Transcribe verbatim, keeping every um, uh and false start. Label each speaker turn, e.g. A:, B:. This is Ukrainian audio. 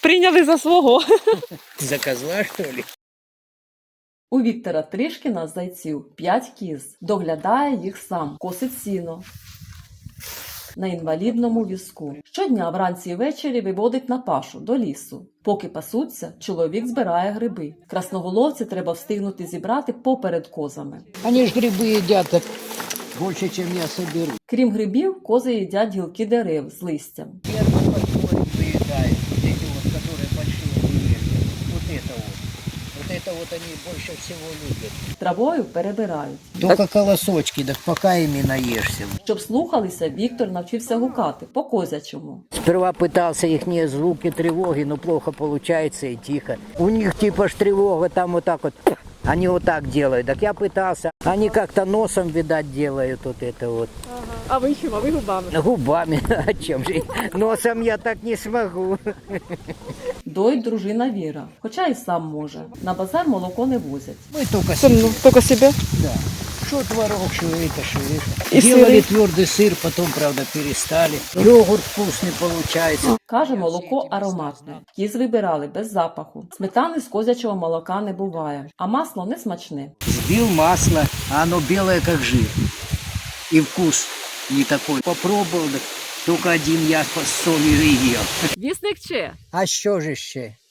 A: Прийняли за свого.
B: За козла, що ли?
A: У Віктора Тришкіна з зайців п'ять кіз. Доглядає їх сам, косить сіно на інвалідному візку. Щодня вранці і ввечері виводить на пашу до лісу. Поки пасуться, чоловік збирає гриби. Красноголовці треба встигнути зібрати поперед козами.
B: Вони ж гриби їдять так більше, ніж я соберу.
A: Крім грибів, кози їдять гілки дерев з листям.
B: Первый подходит, выедает. Вот эти вот, которые большие деревья. Вот это вот. Вот это вот они больше всего любят.
A: Травою перебирають.
B: Только колосочки, так пока ими наешься.
A: Щоб слухалися, Віктор навчився гукати по козячому.
B: Сперва пытался их звуки тревоги, но плохо получается и тихо. У них типа ж тревога там вот так вот. Они вот так делают. Так я пытался. Они как-то носом, видать, делают вот это вот.
A: Ага. А ви чим? А ви губами?
B: Губами. А чем же? Носом я так не смогу.
A: Доїть дружина Віра, хоча і сам може. На базар молоко не возять.
B: Мы только себе.
A: Ну, тільки себе?
B: Да. Что творог, что это, что это.
A: И
B: Делали
A: сыры.
B: твердый сыр, потом, правда, перестали. Йогурт вкусный получается.
A: Каже, молоко ароматне. Кіз вибирали без запаху. Сметани з козячого молока не буває, а масло не смачне.
B: Сбил масло, а оно белое, как жир. И вкус не такой. Попробовал, так только один я с солью и ел.
A: Вісник че?
B: А що ж ще?